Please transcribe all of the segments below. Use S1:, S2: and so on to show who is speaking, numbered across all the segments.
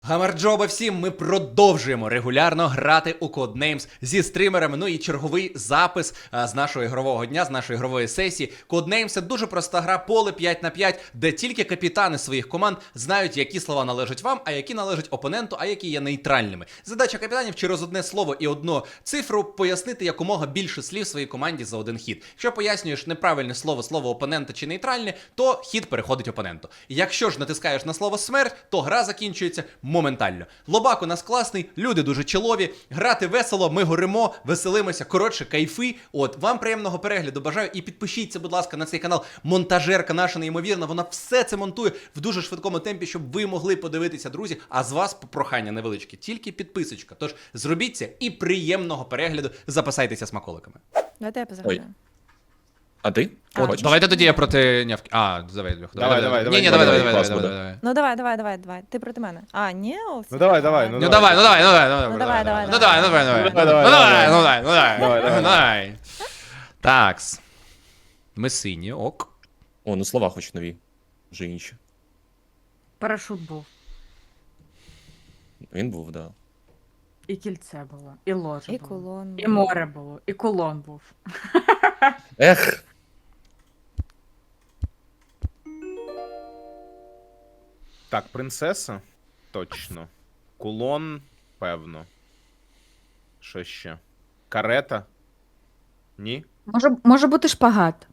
S1: Гамарджоба всім, ми продовжуємо регулярно грати у Codenames зі стримерами. Ну і черговий запис з нашого ігрового дня, з нашої ігрової сесії. Codenames – це дуже проста гра, поле 5 на 5, де тільки капітани своїх команд знають, які слова належать вам, а які належать опоненту, а які є нейтральними. Задача капітанів через одне слово і одну цифру пояснити якомога більше слів своїй команді за один хід. Якщо пояснюєш неправильне слово опонента чи нейтральне, то хід переходить опоненту. Якщо ж натискаєш на слово смерть, то гра закінчується моментально. Лобак у нас класний, люди дуже чолові, грати весело, ми горимо, веселимося, коротше, кайфи. От, вам приємного перегляду бажаю і підпишіться, будь ласка, на цей канал. Монтажерка наша неймовірна, вона все це монтує в дуже швидкому темпі, щоб ви могли подивитися, друзі. А з вас прохання невеличке, тільки підписочка. Тож зробіть це і приємного перегляду, запасайтеся смаколиками.
S2: Давайте я позагадаю.
S3: А ти?
S1: От, давайте тоді я проти нявки. А, давай, Льох.
S3: Давай.
S1: Ні,
S3: Давай,
S1: давай.
S2: Ну давай. Ти проти мене. А, ні?
S3: Ну давай.
S1: Ну давай. Такс. Ми сині, ок.
S3: О, ну слова хоч нові. Вже інші.
S4: Парашут був,
S3: Він був, да.
S4: і кільце було, і ложа
S2: І
S4: було,
S2: кулон.
S4: і море було, і кулон був.
S3: Ех!
S5: Так, принцеса? Точно. Кулон, певно. Що ще? Карета? Ні?
S4: Може бути шпагат.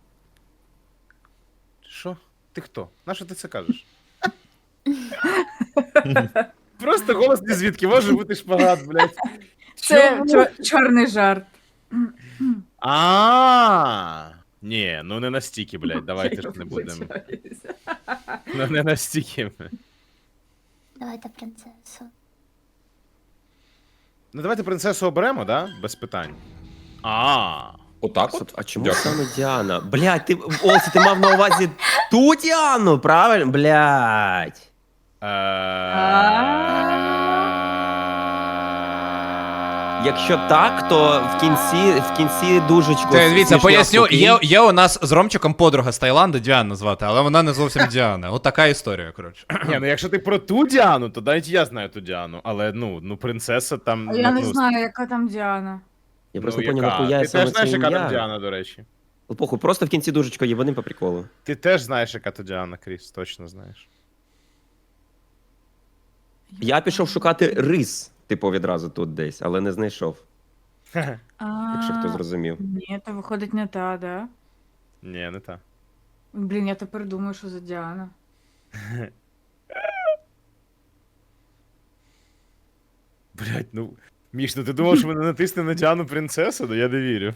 S5: Що? Ти хто? Нащо ти це кажеш? Просто голос не звідки може бути шпагат, блядь.
S4: Це чорний жарт.
S5: Ні, ну не настільки, блядь, давайте ж не будемо. Ну не настільки.
S6: Давайте принцесу.
S5: Ну давайте принцесу оберемо, да? Без питань.
S3: Отак от?
S7: А чому
S3: Дякую.
S7: саме Діана? Блядь, ти, Олсі, ти мав на увазі ту Діану, правильно? Блядь. Якщо так, то в кінці дужечку.
S1: Дивіться,
S7: смішно
S1: поясню,
S7: сукінь.
S1: є у нас з Ромчиком подруга з Таїланду, Діана звати, але вона не зовсім Діана. От така історія, коротше.
S5: Ні, ну якщо ти про ту Діану, то навіть я знаю ту Діану. Але ну принцеса там.
S4: А я не
S5: ну,
S4: знаю, яка там Діана.
S7: Я просто
S5: ну,
S7: не поняв,
S5: яка?
S7: нахуя
S5: Ти
S7: саме
S5: теж знаєш,
S7: це
S5: яка там
S7: ім'я.
S5: Діана, до речі.
S7: Ну, похуй, просто в кінці дужечко єбаним по приколу.
S5: Ти теж знаєш, яка то Діана, Кріс, точно знаєш.
S7: Я пішов шукати рис, типу, відразу тут десь, але не знайшов, якщо хто зрозумів.
S4: Ні, то виходить не та, да?
S5: Ні, не та.
S4: Блін, я тепер думаю, що за Діана.
S5: Блять, ну. Міш, ну ти думав, що мене натисне на Діану принцесу? Ну я не вірю.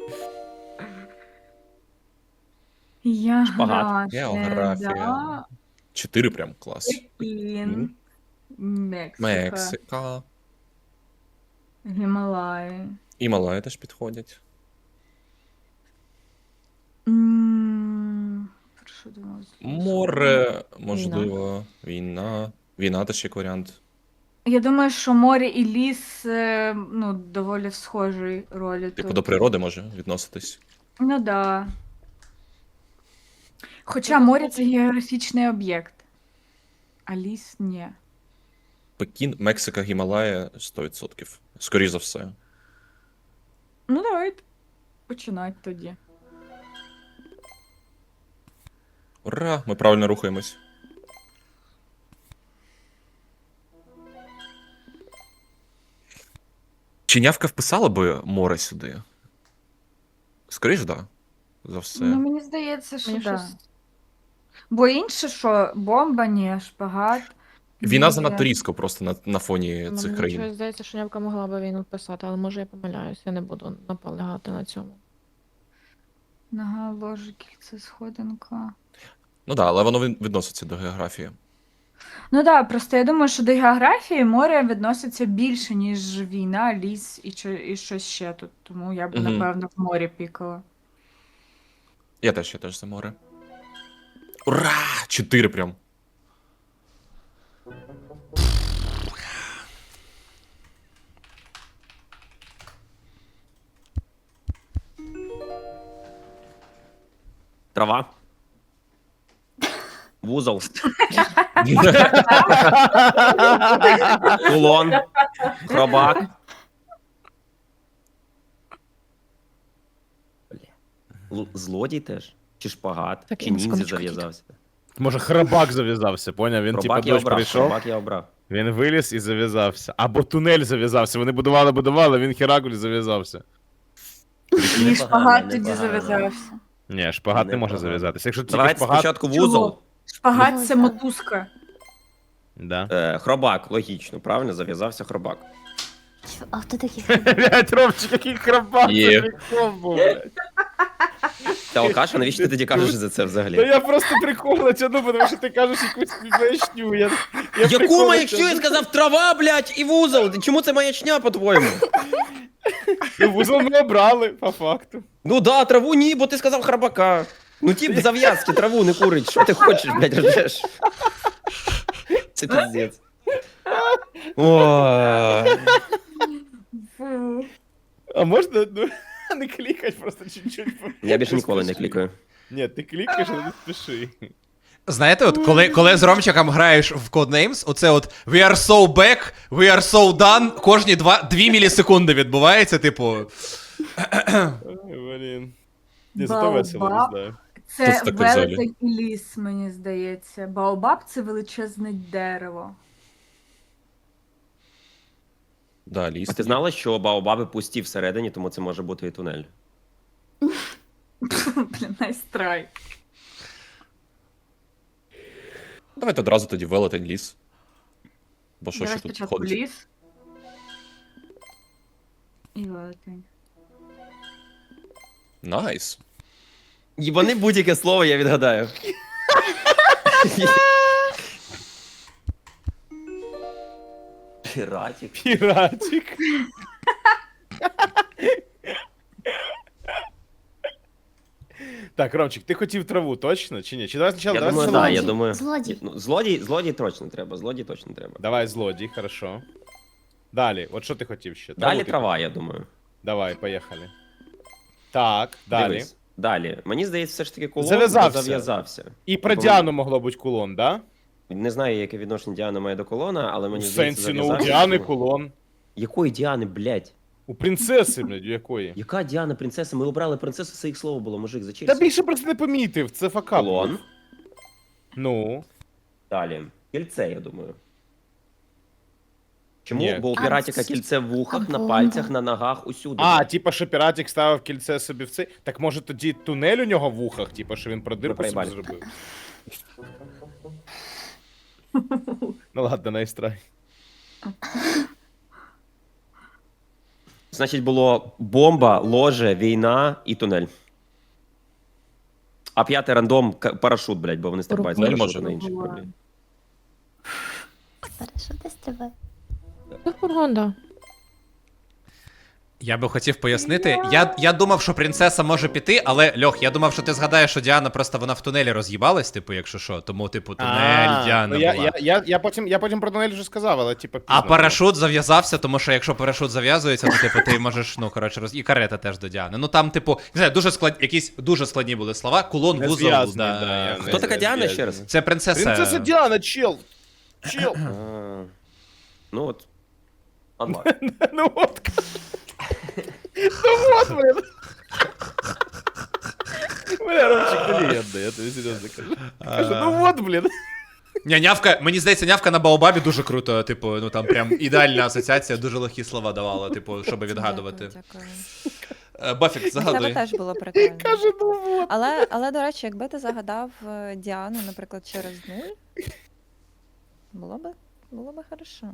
S7: Шпагат.
S3: Географія. 4 прям клас.
S4: Пекін, Мексика,
S3: Мексика.
S4: Гімалаї.
S3: І Малайя теж підходять.
S4: Що думаю?
S3: Море, можливо, війна. Війна теж як варіант.
S4: Я думаю, що море і ліс, ну, доволі в схожій ролі
S3: Типу
S4: тут.
S3: до природи може відноситись.
S4: Ну да. Хоча море це географічний об'єкт, а ліс ні.
S3: Пекін, Мексика, Гімалая 100%. Скоріше за все.
S4: Ну давайте починати тоді.
S3: Ура! Ми правильно рухаємось. Чинявка вписала би море сюди? Скоріше, да. За все.
S4: Ну мені здається, що
S2: Мені
S4: да.
S2: щось-
S4: Бо інше, що бомба, ні, шпагат.
S3: Війна
S4: ні.
S3: занадто різко просто на фоні
S8: Ну,
S3: цих
S8: мені
S3: країн.
S8: щось здається, що Нявка могла би війну писати, але може я помиляюсь, я не буду наполягати на цьому.
S4: Нога, ложе, кільце, сходинка.
S3: Ну так, але воно відноситься до географії.
S4: Ну так, просто я думаю, що до географії море відноситься більше, ніж війна, ліс і щось ще тут. Тому я б,
S3: Мгм.
S4: напевно, в морі пікала.
S3: Я теж за море. Ура! 4 прям.
S7: Трава. Вузол. Кулон. Хробак. Злодій теж? Чи шпагат?
S8: Так,
S7: Чи
S8: я на
S7: ніндзя
S8: секундочку
S7: зав'язався?
S5: Може, храбак зав'язався, поняв? Він типа
S7: Хробак я
S5: дощ
S7: обрав,
S5: прийшов,
S7: хробак я обрав.
S5: він виліз і зав'язався. Або тунель зав'язався. Вони будували, він херакуль зав'язався.
S4: Ні, шпагат тоді
S7: непогано.
S4: зав'язався.
S5: Ні, шпагат не може
S7: Непогано.
S5: зав'язатися. Якщо тільки
S7: Давайте
S5: шпагат.
S7: спочатку
S4: Чого?
S7: вузол.
S4: Шпагат це мотузка.
S5: Да.
S7: Хробак, логічно, правильно? Зав'язався хробак.
S6: А хто такий?
S5: Блять, Ромчик, який храбак,
S3: Є.
S5: це прикол був, блядь.
S7: Та Алкаша, навіщо ти тоді кажеш за це
S5: Та
S7: взагалі?
S5: я просто прикол натягну, тому що ти кажеш якусь маячню. Я
S7: Яку
S5: прикол
S7: маячню? Я
S5: натягну.
S7: сказав трава, блядь, і вузол. Чому це маячня, по-твоєму?
S5: Ну, вузол ми обрали, по факту.
S7: Ну да, траву ні, бо ти сказав храбака. Ну тип зав'язки, траву не курить. Що ти хочеш, блядь, ржеш? Це пиздец. Ой.
S4: Фу.
S5: А можна не клікать просто чуть-чуть?
S7: Я більше ніколи не клікаю.
S5: Ні, ти клікаєш, але не спіши.
S1: Знаєте, от коли з Ромчиком граєш в Codenames, оце от we are so back, we are so done, кожні 2 мілісекунди відбувається, типу.
S5: Ой, блін. Ні, зато весело, не
S4: Баобаб.
S5: знаю.
S3: Хто
S4: Це
S3: це таке взагалі?
S4: велетень і ліс, мені здається. Баобаб це величезне дерево.
S3: Да, ліс.
S7: А ти знала, що баобаби пусті всередині, тому це може бути і тунель?
S4: Блін, найстрай.
S3: Давайте одразу тоді велетень ліс. Бо що
S4: Давай
S3: ще тут
S4: спочатку
S3: ходить?
S4: ліс. І велетень.
S3: Найс.
S7: Їбани будь-яке слово, я відгадаю. Піратик.
S5: Піратик. Так, Ромчик, ти хотів траву, точно? Чи ні? Чи давай спочатку,
S7: Я
S5: давай
S7: думаю,
S5: спочатку-
S7: да, я думаю.
S6: Злодій.
S7: Ну, злодій точно треба, злодій точно треба.
S5: Давай злодій, хорошо. Далі, от що ти хотів ще?
S7: Далі
S5: ти
S7: трава, я думаю.
S5: Давай, поїхали. Так, далі.
S7: Дивись. Далі. Мені здається, все ж таки кулон
S5: Зав'язався.
S7: зав'язався.
S5: І про Діану могло бути кулон, да?
S7: Не знаю, яке відношення Діана має до колона, але
S5: У
S7: мені здається,
S5: сенсі, ну у
S7: зав'язався.
S5: Діани кулон.
S7: Якої Діани, блядь?
S5: У принцеси, блядь, у якої?
S7: Яка Діана, принцеса? Ми обрали принцесу, це їх слово було, мужик,
S5: Та
S7: зачекай.
S5: більше просто не помітив, це факап.
S7: Колон.
S5: Ну.
S7: Далі. Кільце, я думаю. Чому?
S5: Ні.
S7: Бо у піратіка кільце в вухах, на
S6: Або-
S7: пальцях, на ногах, усюди.
S5: А, типа, що піратик ставив кільце собі в цей. Так може тоді тунель у нього в вухах, типа, що він про дирку собі
S7: проїбали.
S5: зробив. Ну ладно, найстрай.
S7: Значить, було бомба, ложе, війна і тунель. А п'ятий рандом парашут, блядь, бо вони стрибають з
S3: Тунель
S7: парашуту
S3: може.
S7: на інших проблем.
S6: Парашути стрибає.
S8: Це фургон, да.
S1: Я би хотів пояснити. Я думав, що принцеса може піти, але Льох, я думав, що ти згадаєш, що Діана просто вона в тунелі роз'їбалась, типу, якщо що. Тому, типу, тунель Діана
S5: ну,
S1: була.
S5: я потім про тунель вже сказав, але типа.
S1: А
S5: пізно.
S1: парашут зав'язався, тому що якщо парашут зав'язується, то типу ти можеш, ну коротше, і карета теж до Діани. Ну там, типу, не знаю, якісь дуже складні були слова. Кулон,
S5: Не
S1: вузол.
S5: зв'язаний,
S1: Да.
S5: да, я
S7: Хто така Діана ще раз?
S1: Це принцеса.
S5: Принцеса Діана, чел! Чел!
S7: А, ну от. Анлак.
S5: Ну от. Ну от, блин. Бля, Ромчик, ти легенда, я тобі серйозно кажу. Кажу, ну от, блін.
S1: Ні, нявка, мені здається, нявка на Баобабі дуже круто, типу, ну там прям ідеальна асоціація, дуже легкі слова давала, типу, щоб відгадувати.
S2: Дякую.
S1: Бафік,
S2: Це
S1: загадуй.
S2: теж було прикольно.
S5: Каже, ну от.
S2: Але, до речі, якби ти загадав Діану, наприклад, через 0, було би хорошо.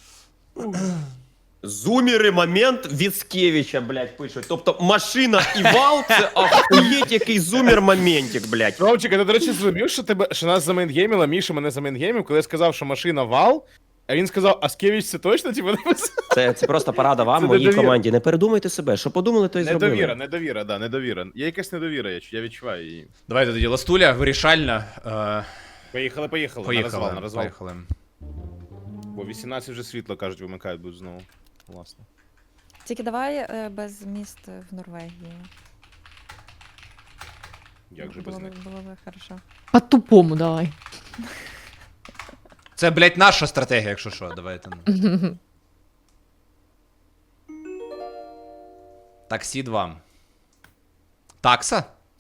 S7: Зумери момент Віцкевича, блядь, пишуть. Тобто машина і вал це охуєть який зумер моментик, блядь.
S5: Ромчик, а ти, до речі, зрозумів, що нас замейнгеймила, Міша мене замейнгеймив, коли я сказав, що машина вал, а він сказав, Аскевич це точно, типу, написав?
S7: Це просто порада вам,
S5: Це
S7: моїй
S5: недовіра.
S7: команді. Не передумайте себе, що подумали, то й зробили.
S5: Недовіра. Є якась недовіра, я відчуваю її.
S1: Давайте тоді ластуля, вирішальна.
S5: Поїхали.
S1: Поїхали.
S5: На розвал.
S1: Поїхали.
S5: Бо 18 вже світло, кажуть, вимикають будуть знову. Власне.
S2: Тільки давай без міст в Норвегії.
S5: Як же без них?
S2: Було би хорошо.
S8: По-тупому давай.
S1: Це, блядь, наша стратегія, якщо що, давайте. Ну. Таксі 2. Такса?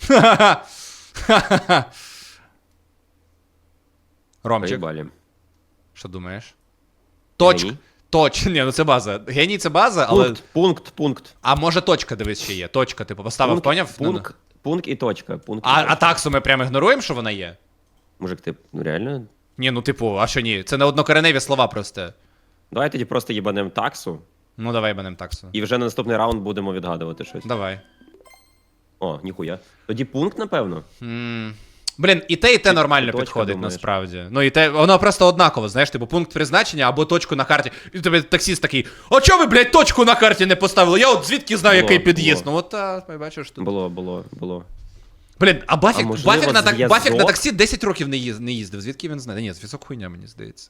S1: Ромчик,
S7: Поїбалі.
S1: що думаєш? Точка.
S7: Геній.
S1: Ні, ну це база. Геній це база, але.
S7: Пункт.
S1: А може точка, дивись, ще є. Точка, типу, поставив, поняв?
S7: Пункт і точка.
S1: А таксу ми прямо ігноруємо, що вона є?
S7: Мужик, ти, ну реально?
S1: Ні, ну типу, а що ні? Це не однокореневі слова просто.
S7: Давай тоді просто їбанем таксу,
S1: Ну давай банем таксу.
S7: і вже на наступний раунд будемо відгадувати щось.
S1: Давай.
S7: О, ніхуя. Тоді пункт, напевно.
S1: Блін, і те
S7: Ти
S1: нормально
S7: точка
S1: підходить
S7: думаєш?
S1: насправді. Ну і те, воно просто однаково, знаєш, типу пункт призначення або точку на карті. І тобі таксіст такий: а чого ви, блядь, точку на карті не поставили? Я от звідки знаю,
S7: Було,
S1: який під'їзд?
S7: було.
S1: Ну от бачиш тут.
S7: Було.
S1: Блін, а Бафік,
S7: можливо,
S1: Бафік,
S7: зв'язок?
S1: Бафік на таксі 10 років не їздив. Звідки він знає? Ні, зв'язок хуйня, мені здається.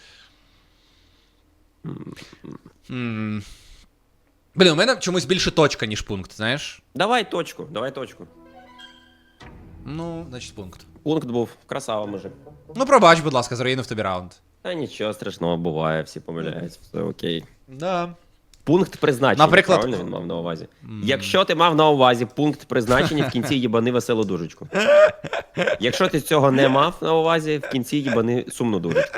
S1: Блін, у мене чомусь більше точка, ніж пункт, знаєш?
S7: Давай точку.
S1: Ну, значить пункт.
S7: Пункт був. Красава, мужик.
S1: Ну пробач, будь ласка, заруїнив тобі раунд.
S7: Та нічого страшного, буває, всі помиляються, все окей.
S1: Да.
S7: Пункт призначення,
S1: Наприклад-
S7: правильно він мав на увазі? Якщо ти мав на увазі пункт призначення, в кінці їбани веселу дужечку. Якщо ти цього не мав на увазі, в кінці їбани сумну дужечку.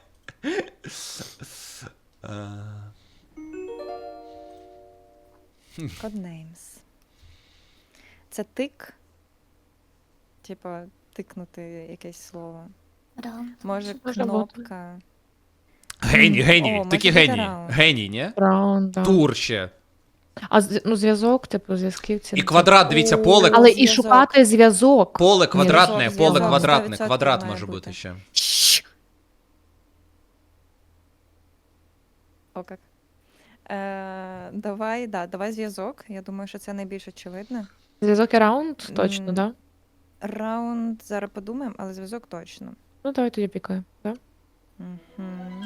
S2: Codenames. Це тик. Типа, тикнути якесь слово.
S6: Раунд.
S2: Може,
S8: Може
S2: кнопка.
S1: Геній,
S2: О,
S1: геній,
S2: може
S1: такі
S2: бути
S1: геній.
S2: раунд.
S1: Геній, ні?
S8: Раунд, да.
S1: Тур ще.
S8: А ну, зв'язок, типу, зв'язківці.
S1: І квадрат, дивіться, поле.
S2: О,
S8: Але і
S2: зв'язок.
S8: шукати зв'язок.
S1: Поле квадратне,
S2: зв'язок,
S1: поле
S2: зв'язок,
S1: квадратне.
S2: 100%
S1: Квадрат
S2: має
S1: може
S2: бути.
S1: бути ще.
S2: О, як. Давай зв'язок. Я думаю, що це найбільш очевидно.
S8: Зв'язок і раунд, точно,
S2: М.
S8: да?
S2: Раунд зараз подумаємо, але зв'язок точно.
S8: Ну, давай тоді пікаємо, да?
S2: Угу.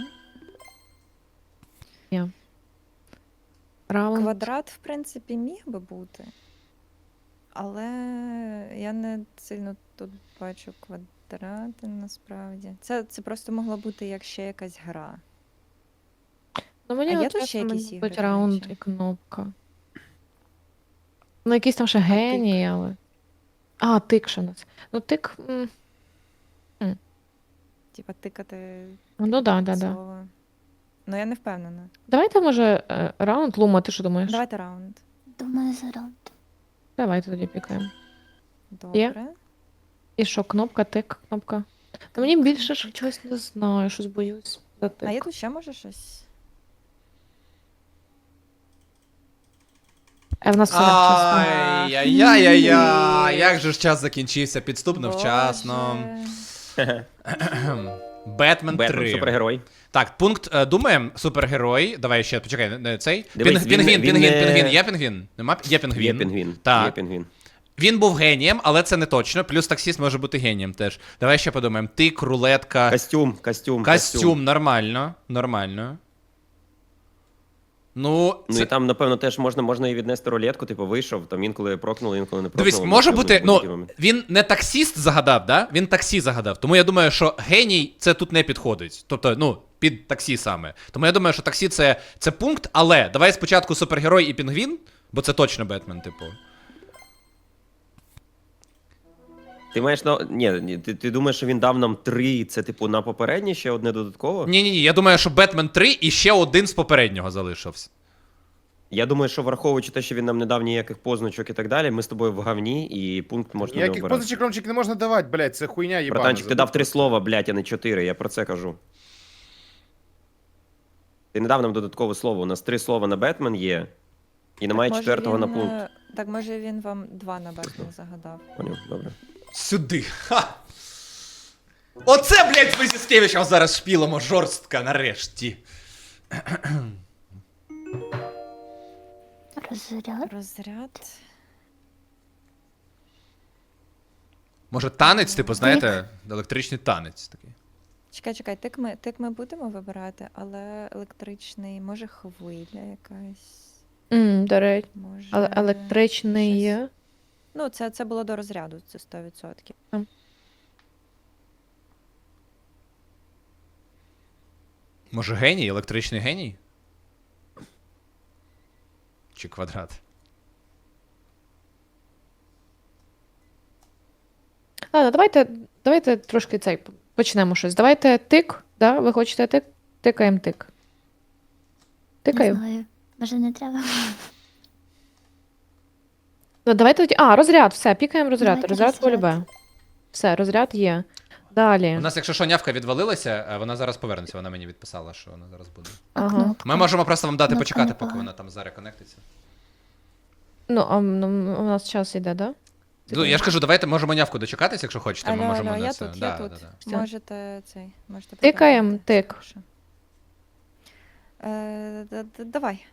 S8: Раунд.
S2: Квадрат, в принципі, міг би бути. Але я не сильно тут бачу квадрати насправді. Це просто могло бути як ще якась гра.
S8: Ну, мені
S2: А є
S8: от
S2: тут
S8: теж
S2: ще якісь
S8: мабуть,
S2: ігри, до
S8: раунд
S2: речі?
S8: і кнопка. Ну, якийсь там ще геній, але. А, тик ще у нас. Ну, тик.
S2: Типа тикати
S8: Ну, да.
S2: слово. Ну, я не впевнена.
S8: Давайте, може, раунд. Лума, ти що думаєш?
S2: Давайте раунд.
S6: Думаю, за раунд.
S8: Давайте тоді пікаємо.
S2: Добре.
S8: І що, кнопка, тик, кнопка. Та мені більше ж чогось не знаю, щось боюсь. За тик.
S2: А є тут ще може щось?
S8: В нас все вчасно.
S1: Ай-яй-яй-яй, як же ж час закінчився, підступно вчасно.
S2: Боже.
S1: Бетмен 3.
S7: Бетмен, супергерой.
S1: Так, пункт, думаємо, супергерой. Давай ще, почекай, цей.
S7: Дивись,
S1: Пінгвін,
S7: він не-
S1: пінгвін. Є пінгвін? Нема? Є пінгвін.
S7: Є пінгвін.
S1: Так.
S7: Є пінгвін.
S1: Він був генієм, але це не точно. Плюс таксіст може бути генієм теж. Давай ще подумаємо. Тик, рулетка. Костюм, нормально. Ну,
S7: Ну і там, напевно, теж можна і віднести рулетку, типу вийшов, там інколи прокнули, інколи не прокнули.
S1: дивись, може бути,
S7: будь-який
S1: ну,
S7: момент.
S1: він не таксіст загадав, да? Він таксі загадав. Тому я думаю, що геній це тут не підходить. Тобто, ну, під таксі саме. Тому я думаю, що таксі це пункт, але давай спочатку супергерой і пінгвін, бо це точно Бетмен, типу.
S7: Ти маєш на. Ні, ти думаєш, що він дав нам 3, це типу на попереднє ще одне додатково?
S1: Ні, я думаю, що Бетмен 3 і ще один з попереднього залишився.
S7: Я думаю, що враховуючи те, що він нам не дав ніяких позначок і так далі, ми з тобою в говні, і пункт можна не
S5: Ніяких
S7: обирати.
S5: позичок, Ромчик, не можна давати, блядь, це хуйня їбана.
S7: Братанчик, ти дав 3 слова, блядь, а не 4, я про це кажу. Ти не дав нам додаткове слово, у нас 3 слова на Бетмен є, і немає
S2: Може,
S7: 4-го на
S2: він,
S7: пункт.
S2: Так, може він вам 2 на Бетмен загадав.
S7: Поняв, добре.
S1: Сюди. Ха! Оце, блядь, ми зі Скевичем зараз шпілимо жорстко, нарешті.
S6: Розряд.
S2: Розряд.
S1: Може, танець, типу, знаєте, електричний танець такий.
S2: Чекай, тик ми будемо вибирати, але електричний, може хвиля якась.
S8: До речі.
S2: Може.
S8: Але електричний.
S2: щось. Ну, це було до розряду, це 100%.
S1: Може геній? Електричний геній? Чи квадрат?
S8: Ладно, давайте трошки цей почнемо щось. Давайте тик, да? Ви хочете тик? Тикаємо тик.
S6: Не
S8: Тикаю.
S6: знаю. Може не треба?
S8: Ну, давайте тоді. А, розряд, все, пікаємо розряд.
S6: Давайте
S8: Розряд
S6: розряд.
S8: полюбе. Все, розряд є. Далі.
S1: У нас, якщо що, нявка відвалилася, вона зараз повернеться, вона мені відписала, що вона зараз буде.
S8: Ага.
S6: Кнопка.
S1: Ми можемо просто вам дати
S6: Ну,
S1: почекати,
S6: непогано.
S1: поки вона там зареконектиться.
S8: Ну, у нас час йде, да?
S1: Ну, я ж кажу, давайте можемо нявку дочекатися, якщо хочете, ми
S2: Алло,
S1: можемо
S2: алло,
S1: на
S2: я
S1: це.
S2: тут,
S1: Да,
S2: я тут.
S1: да, да.
S8: Все.
S2: Можете
S8: Тикаємо,
S2: поправити,
S8: тик.
S2: спершу. Давай.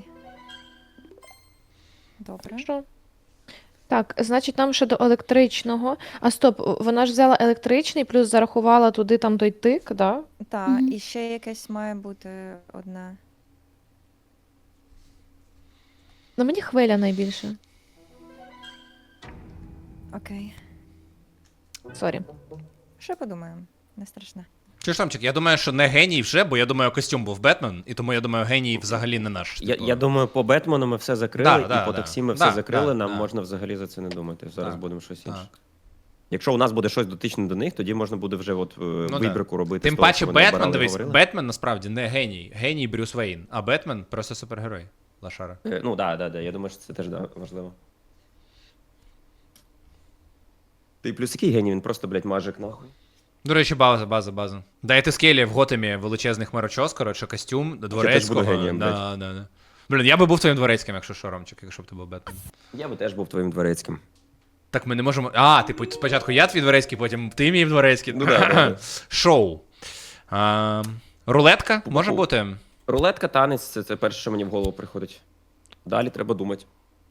S2: Добре.
S8: Хорошо. Так, значить, нам ще до електричного. А стоп, вона ж взяла електричний, плюс зарахувала туди там той тик, да?
S2: Так,
S6: Мгм.
S2: і ще якесь має бути одне.
S8: Ну мені хвиля найбільше.
S2: Окей.
S8: Сорі.
S2: Ще подумаємо. Не страшне.
S1: Чи ж Томчик, я думаю, що не геній вже, бо я думаю, костюм був Бетмен, і тому я думаю, геній взагалі не наш. типу.
S7: Я думаю, по Бетмену ми все закрили,
S1: Да,
S7: і
S1: да,
S7: по
S1: да.
S7: таксі ми все
S1: Да,
S7: закрили,
S1: да,
S7: нам
S1: да.
S7: можна взагалі за це не думати. Зараз
S1: Так,
S7: будемо щось інше.
S1: Так.
S7: Якщо у нас буде щось дотичне до них, тоді можна буде вже от
S1: да.
S7: вибірку робити.
S1: Тим
S7: з того,
S1: паче
S7: що вони
S1: Бетмен,
S7: обирали і
S1: дивись,
S7: говорили.
S1: Бетмен насправді не геній. Геній Брюс Вейн, а Бетмен просто супергерой. Лошара.
S7: Ну, да. Я думаю, що це теж важливо. Ти плюс який геній, він просто, блядь, мажик нахуй.
S1: До речі, база. Дайте скелі в Готемі величезних хмарочос, коротше, костюм, дворецького.
S7: буду генієм,
S1: да. Блін, я би був твоїм дворецьким, якщо що, Ромчик, якщо б ти був Бетмен.
S7: Я би теж був твоїм дворецьким.
S1: Так ми не можемо. А, типу, спочатку я твій дворецький, потім ти мій дворецький.
S7: Ну да.
S1: Шоу. Рулетка може
S7: Пу-пу.
S1: бути?
S7: Рулетка, танець це перше, що мені в голову приходить. Далі треба думати.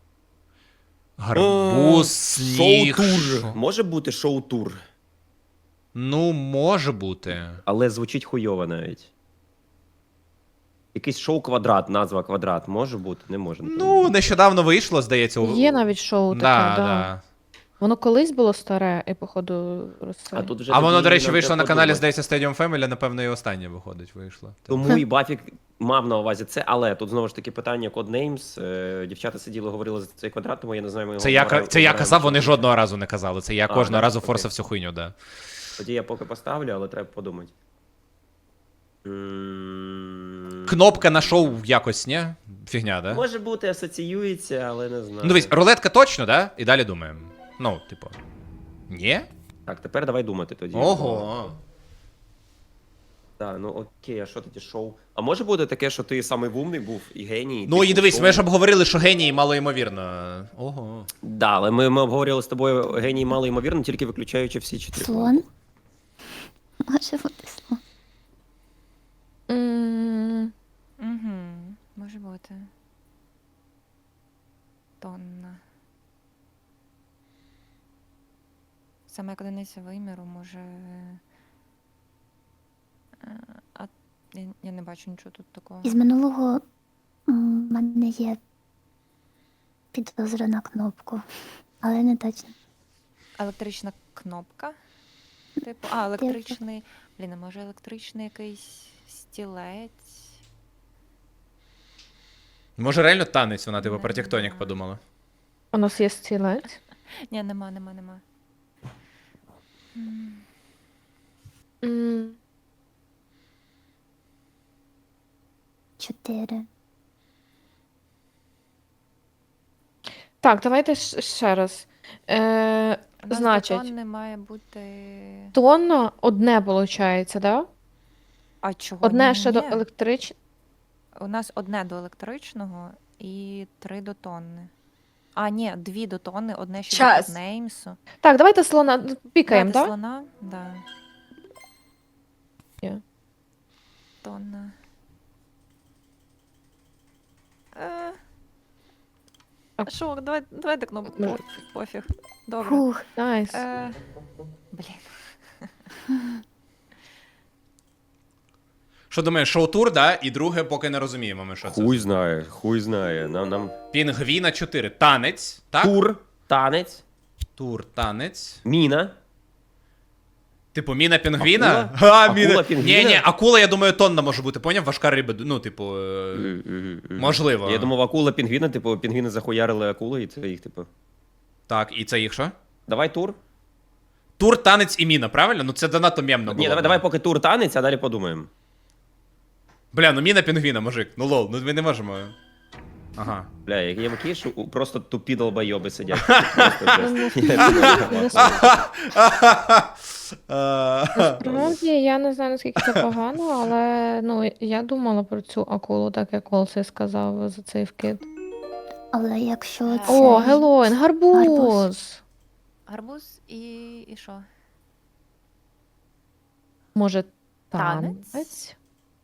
S1: Гарбуз, сніг.
S7: Шоу-тур.
S1: шо-
S7: Може бути шоу-тур,
S1: Ну, може бути.
S7: але звучить хуйово навіть. Якийсь шоу-квадрат, назва квадрат. Може бути? Не може.
S1: Ну, нещодавно вийшло, здається.
S8: Є навіть шоу таке,
S1: Да,
S8: да.
S1: да.
S8: Воно колись було старе, і походу
S7: А тут вже
S1: А воно,
S7: тоді
S1: до речі,
S7: нам
S1: вийшло
S7: треба
S1: на каналі,
S7: подумати.
S1: здається, Stadium Family, напевно, і останнє виходить, вийшло.
S7: Тому і Бафік мав на увазі це, але тут знову ж таки питання Codenames. Дівчата сиділи, говорили за цей квадрат, тому я не знаю, ми його
S1: Це я
S7: обираємо
S1: казав,
S7: чи
S1: вони
S7: ні.
S1: жодного разу не казали. Це я
S7: А,
S1: кожного
S7: да?
S1: разу
S7: Окей.
S1: форсив всю хуйню, да.
S7: Тоді я поки поставлю, але треба подумати. М,
S1: Кнопка на шоу якось, ні? Фігня, да?
S7: Може бути, асоціюється, але не знаю.
S1: Ну, дивись, рулетка точно, да? І далі думаємо. Ну, типу. Ні?
S7: Так, тепер давай думати тоді.
S1: Ого.
S7: Так, ну окей, а що тоді шоу? А може бути таке, що ти самий вумний був і геній?
S1: Ну, і
S7: типу,
S1: дивись,
S7: шоу?
S1: ми ж обговорили, що геній малоймовірно. Ого.
S7: Да, але ми обговорювали з тобою геній мало ймовірно, тільки виключаючи всі 4.
S6: Слон? Може бути слон.
S2: Угу. Може бути. Тонна. Саме як одиниця виміру може. А я не бачу нічого тут такого.
S6: Із минулого в мене є підозра на кнопку, але не точно.
S2: Електрична кнопка. Типу, електричний. Блін, а може електричний якийсь стілець.
S1: Може, реально танець, вона, типу,
S2: Не
S1: про тектонік
S2: знаю.
S1: подумала.
S8: У нас є стілець.
S2: Ні, нема.
S8: М,
S6: 4.
S8: Так, давайте ще раз.
S2: У нас
S8: Значить,
S2: бетон не має бути.
S8: тонно одне виходить, да?
S2: А чого?
S8: Одне ще до
S2: Ні.
S8: електричного.
S2: У нас одне до електричного і 3 до тонни. А, ні, 2 до тонни, одне ще
S4: Час.
S2: до Неймсу.
S8: Так, давайте слона пікаємо,
S2: Давайте
S8: так?
S2: слона? Да.
S8: Є.
S2: Тонна.
S8: А-
S2: Що, давайте кнопку.
S8: Ну.
S2: Пофіг. Добре.
S6: Фух,
S8: Найс.
S2: Блін.
S1: Що думаєш, шоу-тур, да? І друге, поки не розуміємо ми, що це.
S7: Хуй знає. Нам
S1: Пінгвіна 4. Танець, так?
S7: тур, танець,
S1: Тур, танець.
S7: міна.
S1: Типу, міна пінгвіна?
S7: Акула?
S1: А,
S7: Акула пінгвіна?
S1: Ні, акула, я думаю, тонна може бути, поняв? Важка риба, ну, типу, можливо.
S7: Я думав, акула пінгвіна, типу, пінгвіни захуярили акулу, і це їх, типу.
S1: Так, і це їх що?
S7: Давай тур.
S1: Тур, танець і міна, правильно? Ну це занадто мємно було.
S7: Ні, давай поки тур танець, а далі подумаємо.
S1: Бля, ну міна пінгвіна, мужик. Ну лол, ну ми не можемо. Ага.
S7: Бля, є такі, що просто тупі долбойоби сидять.
S8: Насправді, я не знаю, наскільки це погано, але ну, я думала про цю акулу, так як Олсей сказав за цей вкид.
S6: Але якщо це.
S8: О, Гелоїн, гарбуз!
S2: Гарбуз і що?
S8: Може,
S2: Танець?
S8: танець?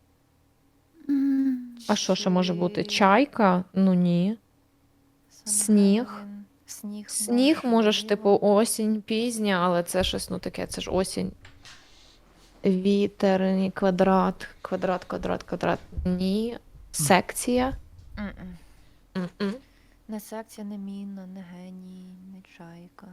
S6: м,
S8: А що ще може бути? Чайка? Ну ні. Сніг. Сніг може ж, типу, осінь пізня, але це щось, ну таке, це ж осінь. Вітер, ні, квадрат. Ні. Секція.
S2: М-м.
S8: М-м.
S2: Не секція, не міна, не геній, не чайка.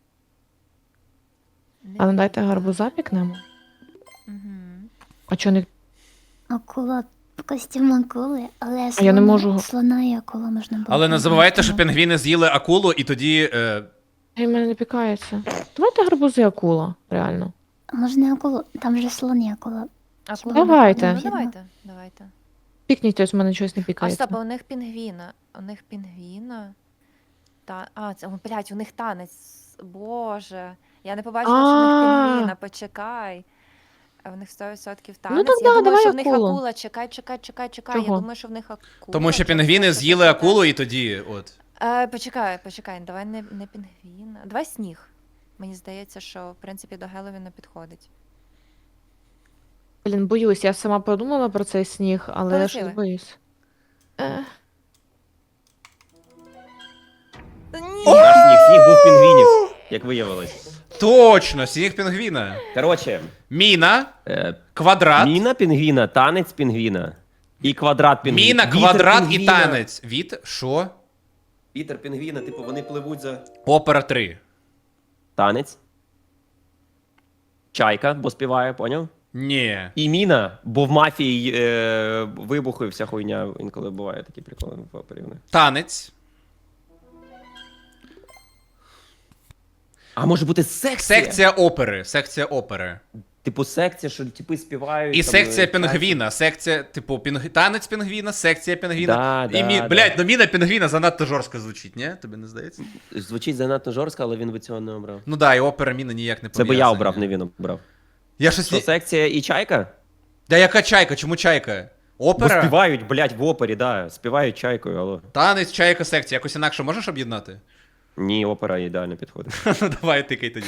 S2: Не
S8: А ну дайте
S2: віта.
S8: гарбуза пікнемо.
S2: Мгм.
S8: А чого не.
S6: Акула в костюм акули, але
S8: А я не можу.
S6: слона і акула можна було.
S1: Але не забувайте, що
S6: пінгвіна.
S1: пінгвіни з'їли акулу, і тоді.
S8: Ай, в мене не пікається. Давайте гарбузи акула, реально.
S6: Можна акулу, там же слон і акула.
S2: Акула.
S8: Давайте.
S2: Ну, давайте.
S8: Пікніть, ось в мене щось не
S2: А
S8: пікається.
S2: стоп, а у них пінгвіна. У них пінгвіна. Це, блядь, у них танець. Боже. Я не побачила, що у них
S8: А.
S2: пінгвіна, почекай. А у них 100% танець.
S8: Ну, так
S2: Я
S8: да,
S2: думаю,
S8: давай
S2: що в них
S8: акулу.
S2: акула. Чекай. Я
S8: Чого?
S2: думаю, що в них акула.
S1: Тому що
S2: через
S1: пінгвіни
S2: те, що
S1: з'їли
S2: ти
S1: акулу,
S2: кажеш.
S1: і тоді. От.
S2: Почекай, давай не пінгвіна. Давай сніг. Мені здається, що в принципі до Геловіна підходить.
S8: Блін, боюсь, я сама подумала про цей сніг, але я
S2: Полетіли.
S8: щось боюсь.
S7: Наш сніг був пінгвінів, як виявилось.
S1: Точно, сніг пінгвіна.
S7: Коротше,
S1: Міна,
S7: е,
S1: квадрат.
S7: міна пінгвіна, танець пінгвіна. І квадрат пінгвіна.
S1: Міна,
S7: Вітер
S1: квадрат і
S7: пінгвіна.
S1: танець. Що?
S7: Вітер пінгвіна, типу, вони пливуть за
S1: Опера 3.
S7: танець. Чайка, бо співає, поняв?
S1: Ні.
S7: І міна, бо в мафії вибухи, вся хуйня інколи буває такі приколи в опері.
S1: Танець.
S7: А може бути секція?
S1: Секція опери.
S7: Типу секція, що типи співають.
S1: І
S7: там,
S1: секція
S7: танці.
S1: пінгвіна. Секція, типу, танець пінгвіна, секція пінгвіна.
S7: Да, да, да.
S1: Блядь, ну міна пінгвіна занадто жорстко звучить, ні? Тобі не здається?
S7: Звучить занадто жорстко, але він би цього не обрав.
S1: Ну да, і опера міна ніяк не
S7: Це би
S1: пов'язані.
S7: я обрав, не він обрав.
S1: Я щось...
S7: Що, секція і чайка?
S1: Да яка чайка? Чому чайка?
S7: Бо
S1: Опера?
S7: співають, блядь, в опері, да. Співають чайкою, алло.
S1: Танець, чайка, секція. Якось інакше можеш об'єднати?
S7: Ні, опера ідеально підходить.
S1: Ну давай тикай тоді.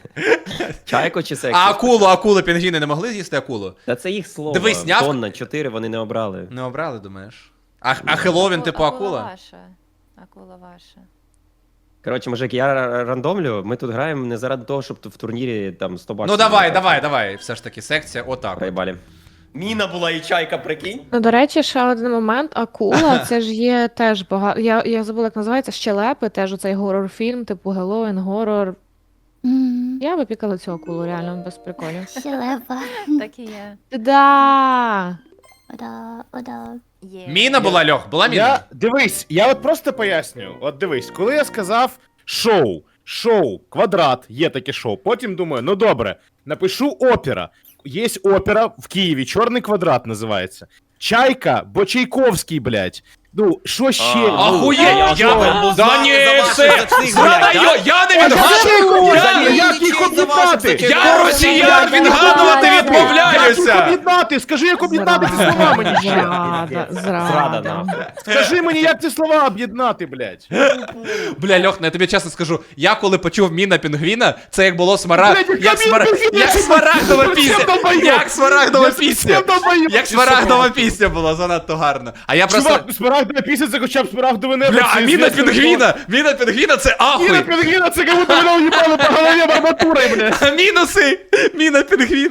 S7: Чайко чи секція?
S1: А акулу пінгвіни не могли з'їсти акулу?
S7: Та це їх слово.
S1: Дивись, зняв-
S7: Тонна, 4 вони не обрали.
S1: Не обрали, думаєш? А Хеллоуін, типу, акула?
S2: Акула ваша.
S7: Коротше, мужик, я рандомлю, ми тут граємо не заради того, щоб в турнірі там 100 баксів.
S1: Ну давай, все ж таки, секція, отак. от.
S7: Проїбалі. Міна була і чайка, прикинь.
S8: Ну, до речі, ще один момент. Акула, це ж є теж багато. Я забула, як називається, щелепи, теж оцей горор-фільм, типу Геловін, горор.
S6: М,
S8: Я би пікала цю акулу, реально, без приколів.
S6: Щелепа.
S2: Так і є.
S8: Да!
S6: Ода.
S2: Є.
S1: Міна була, Льох, була міна?
S5: Дивись, я от просто пояснюю. От дивись, коли я сказав шоу, квадрат, є таке шоу. Потім думаю, ну добре, напишу опера. Є опера в Києві, Чорний квадрат називається. Чайка, бо Чайковський, блядь. Ну, що ще?
S1: Ахуєть! Да ні, все! Зрада, я не відгадую!
S5: Як їх об'єднати?
S1: Я росіян відгадувати
S5: Як їх
S1: відмовляюся!
S5: об'єднати? Скажи, як об'єднати ці слова мені ще.
S8: Зрада,
S7: Зрада,
S8: зрада.
S7: нахуй.
S5: Скажи мені, як ці слова об'єднати, блядь.
S1: Бля, Льох, я тобі чесно скажу, я коли почув міна пінгвіна, це як було як смарагдова пісня. Як смарагдова пісня. Як смарагдова пісня була, занадто гарно. А я просто...
S5: Чувак, смарагдова пісня, це хоча б смарагдове небо.
S1: Бля, а
S5: це
S1: міна
S5: звісно,
S1: пінгвіна! Міна пінгвіна це
S5: Міна
S1: ахуй!
S5: пінгвіна, це як будто мене уїбали по голові арматурою, блядь.
S1: Мінуси! Міна пінгвіна, лол.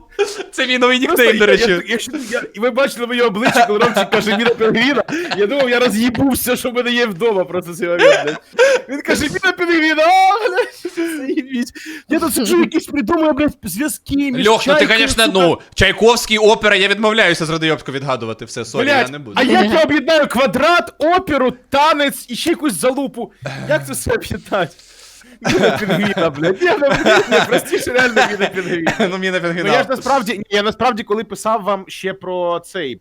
S1: Це мій новий нікнейм, до речі.
S5: І ви бачили моє обличчя, коли Ромчик каже Міна Пінгвіна, я думав, я роз'їбу все, що в мене є вдома, просто цей момент, блядь. Він каже, Міна Пінгвіна, блядь, заїбіть. Я тут сиджу, якісь придумую, блядь, зв'язки між
S1: Льох, ну ти,
S5: Чайкою,
S1: звісно,
S5: сука.
S1: ну, Чайковський, опера, я відмовляюся з Радийобського відгадувати все, сорі, я
S5: Блядь,
S1: не буду.
S5: а як я об'єднаю квадрат, оперу, танець і ще якусь залупу? Як це все об'єднати? Міна Пінгвіна, блядь. Ні, простіше реально Міна Пінгвіна.
S1: Ну, мені не
S5: Ну я ж насправді, коли писав вам ще про цей,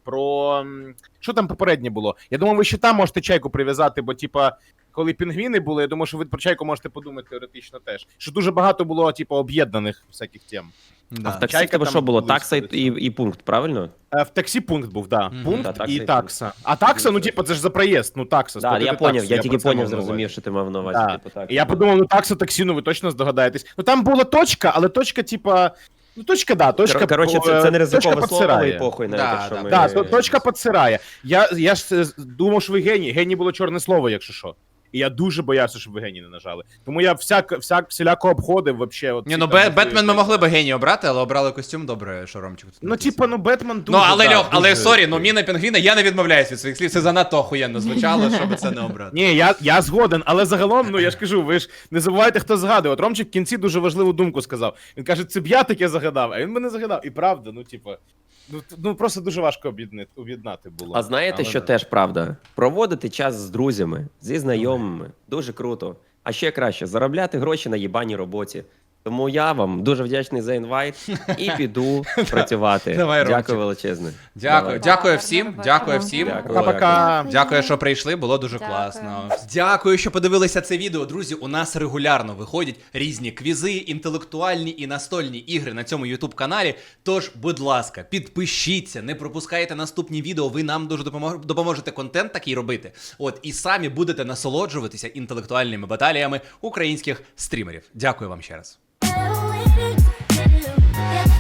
S5: що там попереднє було? Я думав, ви ще там можете чайку прив'язати, бо типа, коли пінгвіни були, я думаю, що ви про чайку можете подумати теоретично теж. Що дуже багато було, типу, об'єднаних всяких тем.
S1: Да.
S7: В таксі в
S5: Чайка
S7: тебе
S5: там
S7: що було?
S5: були
S7: Такса
S5: всюди.
S7: і пункт, правильно?
S5: В таксі пункт був, да.
S1: Мгм.
S5: Пункт
S7: Да, такса
S5: і
S7: і
S5: такса. А такса, ну типу, це ж за проїзд, ну такса.
S7: Так, я
S5: сплатити
S7: поняв,
S5: таксу,
S7: я тільки
S5: про це
S7: поняв,
S5: мав на увазі.
S7: зрозумів, що ти мав на увазі.
S5: Да.
S7: Типу, так.
S5: І я подумав, ну такса таксі, ну ви точно здогадаєтесь. Ну там була точка, але точка, типа. Ну, точка, да, точка.
S7: Коротше, це не
S5: точка
S7: ризикове слово,
S5: підсирає.
S7: і похуй навіть,
S1: Да,
S7: якщо
S1: да.
S7: ми...
S5: Да, точка підсирає. Я ж думав, що ви геній. Геній було чорне слово, якщо що. І я дуже боявся, щоб ви геній не нажали. Тому я всіляко обходив вообще. От
S1: Ні,
S5: ці
S1: ну
S5: там
S1: Бетмен ми
S5: можливі-
S1: могли б геній обрати, але обрали костюм, добре, що Ромчик тут
S5: Ну,
S1: написав.
S5: типа, ну Бетмен дуже.
S1: Ну, але
S5: да,
S1: Льох, але
S5: дуже-
S1: сорі, ну Міна Пінгвіна, я не відмовляюсь від своїх слів, це занадто охуєнно звучало, щоб це не обрати.
S5: Ні, я згоден, але загалом, ну я ж кажу, ви ж не забувайте, хто згадує. От Ромчик в кінці дуже важливу думку сказав. Він каже, це б я таке загадав, а він мене загадав. І правда, ну типа, ну просто дуже важко об'єднати було.
S7: А знаєте,
S5: Але
S7: що
S5: да.
S7: теж правда? Проводити час з друзями, зі знайомими, дуже круто. А ще краще заробляти гроші на їбаній роботі. Тому я вам дуже вдячний за інвайт і піду працювати.
S1: Давай, Ромчик.
S7: Дякую величезне.
S1: Дякую,
S7: Давай.
S1: дякую всім,
S2: Гарного
S1: дякую
S2: вечора.
S1: всім.
S7: Дякую.
S5: Пока-пока.
S1: Дякую, що прийшли, було дуже
S2: Дякую.
S1: класно. Дякую, що подивилися це відео. Друзі, у нас регулярно виходять різні квізи, інтелектуальні і настольні ігри на цьому YouTube каналі. Тож, будь ласка, підпишіться, не пропускайте наступні відео, ви нам дуже допоможете контент такий робити. От, і самі будете насолоджуватися інтелектуальними баталіями українських стрімерів. Дякую вам ще раз.
S6: Yeah.